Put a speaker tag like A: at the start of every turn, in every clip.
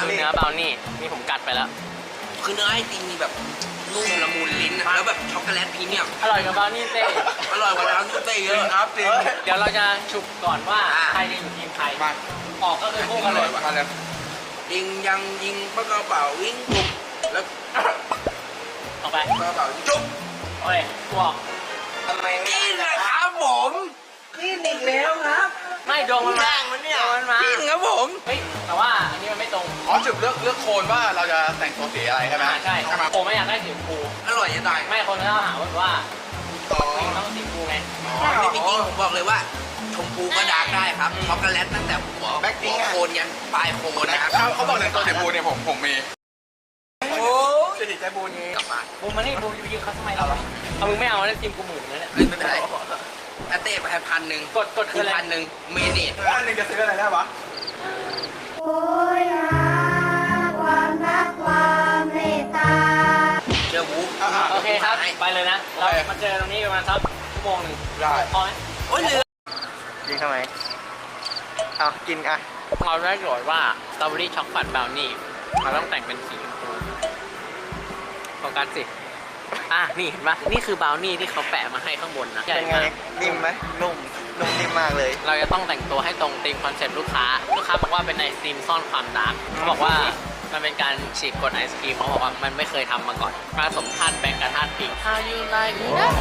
A: ดูเนื้อบราวนี่นี่ผมกัดไปแล้ว
B: คือเนื้อไอติมมีแบบนุ่มละมุนลิ้นนะแล้วแบบช็อกโกแลตพรีเมียม
A: อร่อยกับบราวนี่เต้
B: อร่อยกว่าร้านเต้เยอะครับจริง
A: เดี๋ยวเราจะฉุบก่อนว่าใครจะอยู่ทีมใครออกก็คือคู่กันเลย
B: ยิงยังยิงปากกระเป๋าวิ่งจุ๊บแล้ว
A: ออกไป
B: ปากกระเป๋าจุ๊บ
A: โอ้ยกูออก
B: ทำไมนี่นะครับผมนี่อีกแล้วครับ
A: ไม่โดนมันมาโดนมันมา
B: นี่ครับผม
A: เฮ้ยแต่ว่าอันนี้มันไม่ตรง
C: อ๋อจุดเลือกโคนว่าเราจะแต่งตัวสีอะไรใช่ไหม
A: ใช่ผมไม่อยากได้สีชมพู
B: อร่อยจะตาย
A: ไม่คนก็หาว่า
C: อ๋อ
A: ต้องสีชมพูไง
B: ไม่จริงผมบอกเลยว่าชมพูก็ดาร์กได้ครับช็อกโกแลตตั้งแต่หัวโคนยันปลายโคนนะครับ
C: เขาบอกแต่งตัวสีบูเนี่ยผมมี
B: โอ้
C: จะติดใจบูนี้
B: กลับมา
A: บูมมานี่บูมยิงเขาทำไมเราเอามึงไม่เอาแล้วทีมกูหมื่นเลยเนี่ย
B: ไม่เป็นไรอาเต้ไป1,000
A: กดคืออะไร
B: 1,000เมเนต
C: อันนึงจะซื้ออะไรได้วะ
D: โอยหาความรักความเมตตา
B: เจอบุ๊ก
A: โอเคครับไปเลยนะเรามาเจอตรงนี้ประมาณสักชั่วโมงหนึ่ง
C: ได้
A: พอไหม
B: โอ้ยเหลือ
E: กินทำไมเอากินอ่ะ
A: เราได้โจทย์ว่าสตรอเบอรี่ช็อกโกแลตบราวนี่เราต้องแต่งเป็นสีชมพูโฟกัสสินี่เห็นปะนี่คือบราวนี่ที่เขาแปะมาให้ข้างบนนะ
E: เป็นไง นิ่มไหมนุ่มนิ่มมากเลย
A: เราจะต้องแต่งตัวให้ตรงธีมคอนเซ็ปต์ลูกค้าบอกว่าเป็นไอศครีมซ่อนความดาร์กเขาบอกว่ามันเป็นการฉีกกฎไอศครีมเขาบอกว่ามันไม่เคยทำมาก่อนผสมธาตุแบงค์กับธาตุพิง How you like that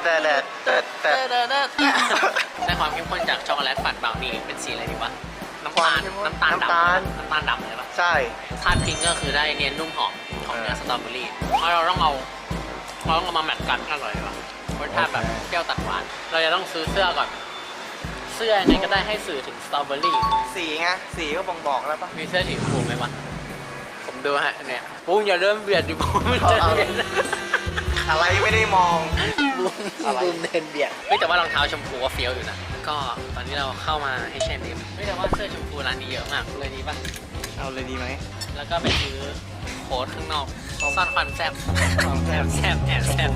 E: แต่
A: ได้ความเข้มข้นจากช็อกโกแลตปั่นบราวนี่เป็นสีอะไรดีวะน้ำตาลดำเลยปะ
E: ใช่
A: ธาตุพิงก็คือได้เนียนนุ่มหอมของเนื้อสตรอเบอรี่เพราะเราต้องเอามาแมทกันอร่อยดีวะรสชาติแบบเปรี้ยวตัดหวานเราจะต้องซื้อเสื้อก่อนเสื้อยังไงก็ได้ให้สื่อถึงสตรอเบอรี่
E: สีไงสีก็บ่งบอกแล้วปะ
A: มีเสื้อสีชมพูไหมวะผมดูฮะเนี่ยปุ้งอย่าเริ่มเบียดดิปุ้งจะเบียด
E: อะไรไม่ได้มอง
A: บุ้มเดินเบียดเฮ้ยแต่ว่ารองเท้าชมพูก็เฟี้ยวอยู่นะก็ตอนนี้เราเข้ามาให้เชนดิมเฮ้ยแต่ว่าเสื้อชมพูร้านนี้เยอะมากเลยดีป่ะ
E: เอาเลยดีไหม
A: แล้วก็ไปซื้อโค้ดข้างนอกซ่อนความแซ่บแอบแซ่บ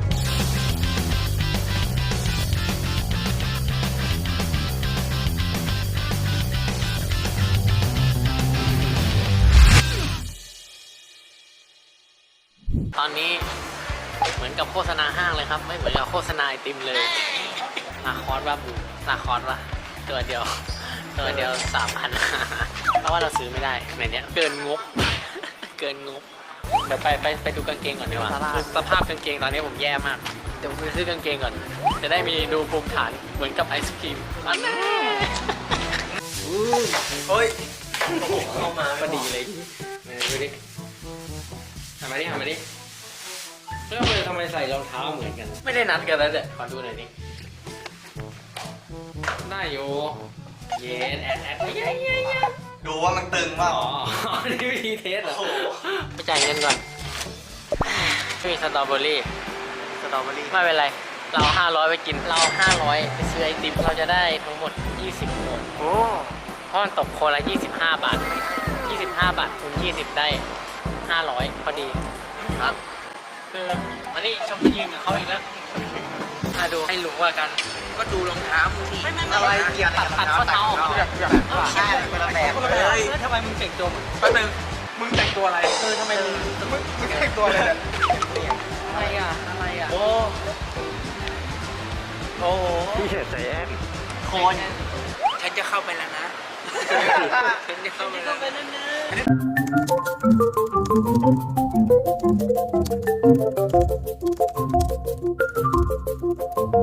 A: ตอนนี้เหมือนกับโฆษณาห้างเลยครับไม่เหมือนกับโฆษณาไอติมเลยลาคอร์สว่าบูลาคอร์สว่าตัวเดียว3,000เพราะว่าเราซื้อไม่ได้ในเนี้ยเกินงบเดี๋ยวไปดูกางเกงก่อนดีกว่าสภาพกางเกงตอนนี้ผมแย่มากเดี๋ยวผมไปซื้อกางเกงก่อนจะได้มีดูภูมิฐานเหมือนกับไอศครีม
B: เฮ้ย
A: เข้ามาพอดีเลยดูดิหันมาดิแล้วทำไมใส่รองเท้าเหมือนกันไม่ได้นัดกันแล้วเด็ดขอดูหน่อยดิได้อยู่เย็นแอดเย้
E: ดูว่ามันตึงว่า
A: อ๋อนี่วิธีเทสเหรอไปจ่ายเงินก่อนมีสตรอเบอรี่ ไม่เป็นไรเรา500ไปกินเรา500ไปซื้อไอติมเราจะได้ทั้งหมด20โคนโอ้เพราะมันตกโคนละ25 บาท25 บาทคูณ20ได้500พอดีครับคืออันนี้ชมยืนกับเขาอีกแล้วมาดูให้รู้ว่ากัน
B: ก็ดูรองเท้ามึงดิ
E: อะไรเกี่ยว
A: ตัดข้อเท้าออกมา
E: ใช่คนละแบบ
A: แล้วทำไมมึงแต่งตัว
C: แป๊บนึงมึงแต่งตัวอะไร
A: ทำไมมึง
C: มึงแต่งตัวอะไรเนี่ย
A: อะไรอ่ะโอ้โห
E: พี่เฉยใจแอน
A: โคน
B: ฉันจะเข้าไปแล้วนะฉันจะเข้าไปแล้ว